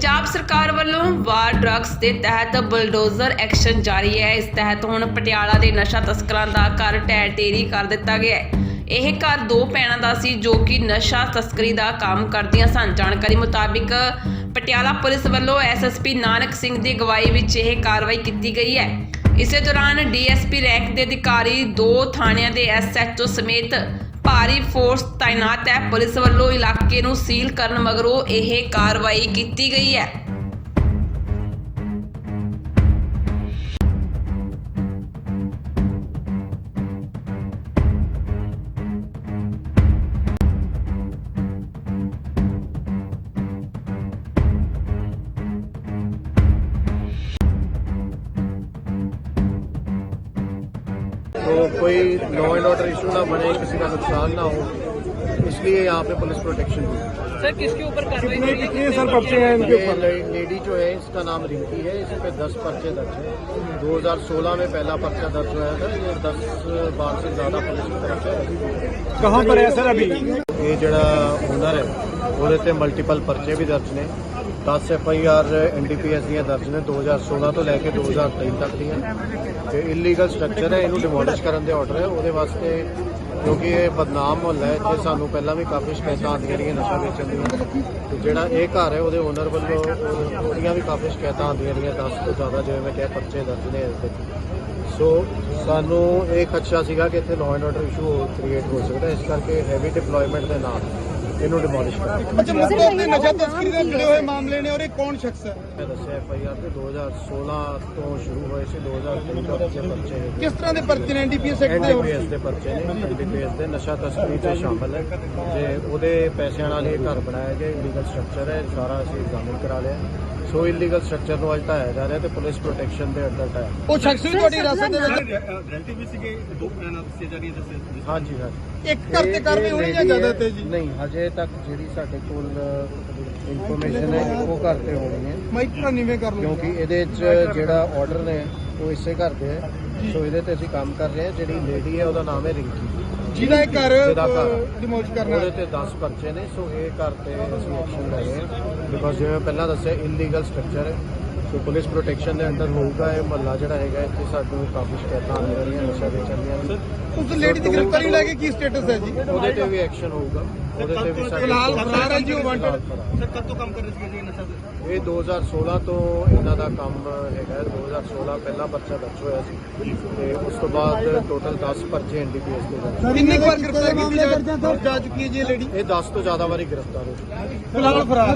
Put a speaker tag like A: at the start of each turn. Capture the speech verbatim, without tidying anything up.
A: पंजाब सरकार ਵੱਲੋਂ वार ड्रग्स के तहत बुलडोजर एक्शन जारी है। इस तहत हुण पटियाला के नशा तस्करां दा घर ढह ढेरी कर दिता गया है। यह घर दो भैणां दा सी जो कि नशा तस्करी का काम करदियां सन। जानकारी मुताबिक पटियाला पुलिस ਵੱਲੋਂ S S P Nanak Singh की अगवाई विच यह कार्रवाई की गई है। इस दौरान डी एस पी रैंक के अधिकारी दो थाणियां के एस एच ओ समेत भारी फोर्स तैनात है। पुलिस ਵੱਲੋਂ इलाके नूं सील करन मगरों यह कार्रवाई की गई है।
B: तो कोई लॉ एंड ऑर्डर इशू ना बने, किसी का नुकसान ना हो, इसलिए यहाँ पे पुलिस प्रोटेक्शन दी।
C: सर किसके ऊपर कार्रवाई
D: कितने कितने सर पर्चे हैं इनके
B: ये
D: ऊपर?
B: लेडी जो है इसका नाम रिंकी है, इस पे दस पर्चे दर्ज है। दो हज़ार सोलह में पहला पर्चा दर्ज हुआ था। ये दस बार से ज्यादा पुलिस की तरफ से।
D: कहाँ पर है सर अभी?
B: ये जड़ा ओनर है वो ते मल्टीपल पर्चे भी दर्ज ने। दस F I R N D P S दियां दर्ज ने दो हज़ार सोलह तो लैके दो हज़ार तेईस तक दियां। ते इलीगल स्ट्रक्चर है, इनू डिमोलिश करने के ऑर्डर है ਉਹਦੇ वास्ते, क्योंकि ये बदनाम मुहल्ला है। जे सानू पहला भी काफ़ी शिकायत आती रही नशा बेचण दी। तो ਜਿਹੜਾ ਇਹ ਘਰ ਹੈ ਉਹਦੇ ਓਨਰ ਵੱਲੋਂ ਉਹਦੀਆਂ ਵੀ ਕਾਫੀ ਸ਼ਿਕਾਇਤਾਂ ਆਉਂਦੀਆਂ ਰਹੀਆਂ, ਦਸ ਤੋਂ ਜ਼ਿਆਦਾ ਜਿਵੇਂ ਮੈਂ ਕਿਹਾ ਪਰਚੇ ਦਰਜ ਨੇ ਇਸ ਵਿੱਚ। ਸੋ ਸਾਨੂੰ ਇਹ ਖਦਸ਼ਾ ਸੀਗਾ ਕਿ ਇੱਥੇ law and order issue create ਹੋ ਸਕਦਾ, ਇਸ ਕਰਕੇ ਹੈਵੀ ਡਿਪਲੋਇਮੈਂਟ ਦੇ ਨਾਲ ਇਹਨੂੰ ਡਿਮੋਲਿਸ਼ ਕਰ ਦਿੱਤਾ।
D: ਅੱਛਾ, ਮੁੱਖ ਤੌਰ ਤੇ ਨਸ਼ਾ ਤਸਕਰੀ ਦੇ ਜੁੜੇ ਹੋਏ ਮਾਮਲੇ ਨੇ ਔਰ ਇਹ ਕੌਣ ਸ਼ਖਸ ਹੈ?
B: ਮੈਂ ਦੱਸਿਆ ਐਫ ਆਈ ਆਰ ਤੇ ਦੋ ਹਜ਼ਾਰ ਸੋਲਹ ਤੋਂ ਸ਼ੁਰੂ ਹੋਏ ਸੀ, ਦੋ ਹਜ਼ਾਰ ਤੇਈ ਤੱਕ ਦੇ ਪਰਚੇ ਨੇ।
D: ਕਿਸ ਤਰ੍ਹਾਂ ਦੇ ਪਰਚੇ ਨੇ? N D P S act
B: N
D: ਦੇ
B: ਡੀ
D: ਹੋਰ?
B: ਪੀ ਐਸ ਦੇ ਪਰਚੇ ਨੇ। ਐਨ ਡੀ ਪੀ ਐਸ ਦੇ ਨਸ਼ਾ ਤਸਕਰੀ 'ਚ ਸ਼ਾਮਲ ਹੈ। ਜੇ ਉਹਦੇ ਪੈਸਿਆਂ ਨਾਲ ਇਹ ਘਰ ਬਣਾਇਆ ਗਿਆ, ਇਲੀਗਲ ਸਟਰਕਚਰ ਹੈ, ਸਾਰਾ ਅਸੀਂ ਐਗਜ਼ਾਮਿਨ ਕਰਾ ਲਿਆ। ਸੋ ਇਲੀਗਲ ਸਟਰਕਚਰ ਨੂੰ ਅੱਜ ਢਾਇਆ ਜਾ ਰਿਹਾ ਤੇ ਪੁਲਿਸ ਪ੍ਰੋਟੈਕਸ਼ਨ ਦੇ ਅੰਡਰ ਢਾਇਆ।
D: ਉਹ ਸ਼ਖਸ ਵੀ ਤੁਹਾਡੀ ਹਿਰਾਸਤ ਦੇ ਵਿੱਚ?
C: ਰਿਲੇਟਿਵ ਵੀ ਸੀਗੇ, ਦੋ ਭੈਣਾਂ ਦੱਸੀਆਂ ਜਾ ਰਹੀਆਂ ਦੱਸੇ।
B: ਹਾਂਜੀ ਸਰ,
D: ਇੱਕ ਘਰ ਤੇ ਕਾਰਵਾਈ ਹੋਣੀ ਜਾਂ ਜ਼ਿਆਦਾ ਤੇ ਜੀ?
B: ਨਹੀਂ, ਹਜੇ ਤੱਕ ਜਿਹੜੀ ਸਾਡੇ ਕੋਲ ਇਨਫੋਰਮੇਸ਼ਨ ਹੈ ਇੱਕੋ ਘਰ ਤੇ ਹੋਣੀ ਹੈ,
D: ਮਾਈਕਰੋ ਨੀਵੇਂ ਕਰ ਲਓ
B: ਕਿਉਂਕਿ ਇਹਦੇ 'ਚ ਜਿਹੜਾ ਆਰਡਰ ਨੇ ਉਹ ਇਸੇ ਘਰ ਦੇ ਹੈ। ਸੋ ਇਹਦੇ ਤੇ ਅਸੀਂ ਕੰਮ ਕਰ ਰਹੇ ਹਾਂ। ਜਿਹੜੀ ਲੇਡੀ ਹੈ ਉਹਦਾ ਨਾਮ ਹੈ ਰਿੰਕੀ,
D: ਜਿਹਦਾ ਇਹ ਘਰ
B: ਜਿਹਦਾ ਘਰ
D: ਡਿਮੋਲਿਸ਼ ਕਰਨਾ
B: ਉਹਦੇ ਤੇ ਦਸ ਪਰਚੇ ਨੇ। ਸੋ ਇਹ ਘਰ ਤੇ ਅਸੀਂ ਐਕਸ਼ਨ ਲੈ ਰਹੇ ਹਾਂ, ਬਿਕੋਜ਼ ਜਿਵੇਂ ਪਹਿਲਾਂ ਦੱਸਿਆ ਇਲੀਗਲ ਸਟਰਕਚਰ ਹੈ। ਸੋ ਪੁਲਿਸ ਪ੍ਰੋਟੈਕਸ਼ਨ ਦੇ ਅੰਡਰ ਹੋਊਗਾ। ਇਹ ਮਹੱਲਾ ਜਿਹੜਾ ਹੈਗਾ ਇੱਥੇ ਸਾਨੂੰ ਕਾਫੀ ਸ਼ਿਕਾਇਤਾਂ ਆ ਰਹੀਆਂ ਨਸ਼ਾ ਵੇਚਣ ਦੀਆਂ।
D: ਉਸ ਲੇਡੀ ਦੀ ਗ੍ਰਿਫਤਾਰੀ ਲੈ ਕੇ ਕੀ ਸਟੇਟਸ ਹੈ ਜੀ?
B: ਉਹਦੇ ਤੇ ਵੀ ਐਕਸ਼ਨ ਹੋਊਗਾ, ਉਹਦੇ ਤੇ ਵੀ ਸਾਡੇ
D: ਫਿਲਹਾਲ ਫਰਾਰ ਹੈ ਜੀ ਉਹ ਵਾਂਟਡ।
C: ਸਰ ਕਦ ਤੋਂ ਕੰਮ ਕਰ ਰਹੇ ਸੀ ਨਸ਼ਾ ਤੇ?
B: ਇਹ ਦੋ ਹਜ਼ਾਰ ਸੋਲਹ ਤੋਂ ਇਹਨਾਂ ਦਾ ਕੰਮ ਹੈਗਾ। ਦੋ ਹਜ਼ਾਰ ਸੋਲਹ ਪਹਿਲਾ ਪਰਚਾ ਦਰਜ ਹੋਇਆ ਸੀ ਤੇ ਉਸ ਤੋਂ ਬਾਅਦ ਟੋਟਲ ਦਸ ਪਰਚੇ ਐਨ ਡੀ ਪੀ ਐਸ ਦੇ ਦਰਜ।
D: ਕਿੰਨੀ ਵਾਰ ਗ੍ਰਿਫਤਾਰ ਕੀਤੀ ਜਾ ਚੁੱਕੀ ਹੈ ਜੀ ਇਹ ਲੇਡੀ?
B: ਇਹ ਦਸ ਤੋਂ ਜ਼ਿਆਦਾ ਵਾਰੀ ਗ੍ਰਿਫਤਾਰ ਹੋ ਚੁੱਕੀ ਹੈ।
D: ਫਿਲਹਾਲ ਫਰਾਰ